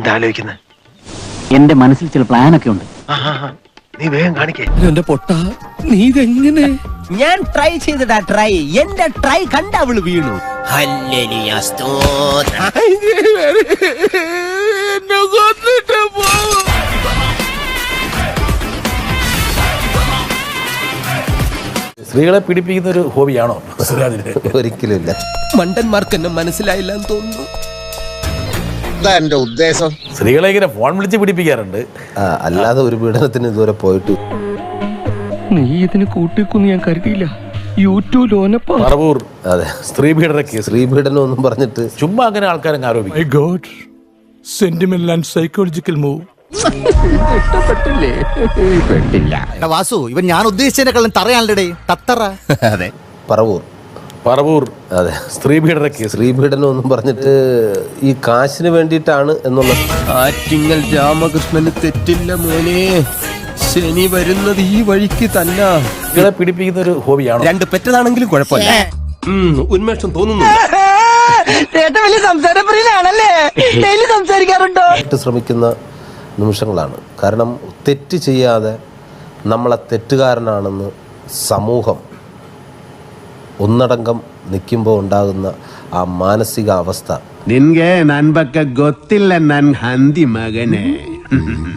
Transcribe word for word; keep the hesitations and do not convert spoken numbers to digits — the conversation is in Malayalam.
എന്താ ആലോചിക്കുന്നത്? എന്റെ മനസ്സിൽ ചില പ്ലാനൊക്കെ ഉണ്ട്. നീ വേഗം കാണിക്കേ. എന്റെ പൊട്ട നീ ഇതെങ്ങനെ? ഞാൻ ട്രൈ ചെയ്തടാ ട്രൈ. എന്റെ ട്രൈ കണ്ട അവള് വീണു. സ്ത്രീകളെ പീഡിപ്പിക്കുന്ന ഒരു ഹോബിയാണോ സുരാജിന്? ഒരിക്കലും ഇല്ല. മണ്ടന്മാർക്ക് എന്നെ മനസ്സിലായില്ല എന്ന് തോന്നുന്നു. എന്റെ ഉദ്ദേശം സ്ത്രീകളെ ഇങ്ങനെ ഫോൺ വിളിച്ച് പീഡിപ്പിക്കാറുണ്ട്. അല്ലാതെ ഒരു പീഡനത്തിന് ഇതുവരെ പോയിട്ട്. നീ ഇതിന് കൂട്ടിക്കൊന്ന് ഞാൻ കരുതിയില്ല. യൂട്യൂബ് ലോനപ്പ പറവൂർ അതെ, സ്ത്രീ പീഡന കേസ്. സ്ത്രീ പീഡനം ഒന്നും പറഞ്ഞിട്ട് ചുമ്മാ അങ്ങനെ ആൾക്കാരങ്ങ് ആരോപിക്കും. Sentimental and psychological move. ഇഷ്ടപ്പെട്ടില്ലേ? പെട്ടില്ല. വാസു, ഇവൻ ഞാൻ ഉദ്ദേശിച്ചതിനെക്കാളും തറയാണല്ലേ തത്തറ. അതെ, പറവൂർ പറവൂർ അതെ, സ്ത്രീ പീഡന കേസ്. സ്ത്രീ പീഡനം ഒന്നും പറഞ്ഞിട്ട് ഈ കാശിന് വേണ്ടിയിട്ടാണ് എന്നുള്ള. ആറ്റിങ്ങൽ രാമകൃഷ്ണന് തെറ്റില്ല മോനെ. ശനി വരുന്നത് ഈ വഴിക്ക് തന്നെ. സ്ത്രീകളെ പീഡിപ്പിക്കുന്ന ഒരു ഹോബിയാണോ? രണ്ട് പെറ്റതാണെങ്കിലും കുഴപ്പമില്ല. ഉന്മേഷം തോന്നുന്നു. ശ്രമിക്കുന്ന നിമിഷങ്ങളാണ്. കാരണം തെറ്റ് ചെയ്യാതെ നമ്മളെ തെറ്റുകാരനാണെന്ന് സമൂഹം ഒന്നടങ്കം നിൽക്കുമ്പോൾ ഉണ്ടാകുന്ന ആ മാനസിക അവസ്ഥ. ನಿನ್ಗೆ ನನ್ ಬಗ್ಗೆ ಗೊತ್ತಿಲ್ಲ ನನ್ ಹಂದಿ ಮಗನೇ.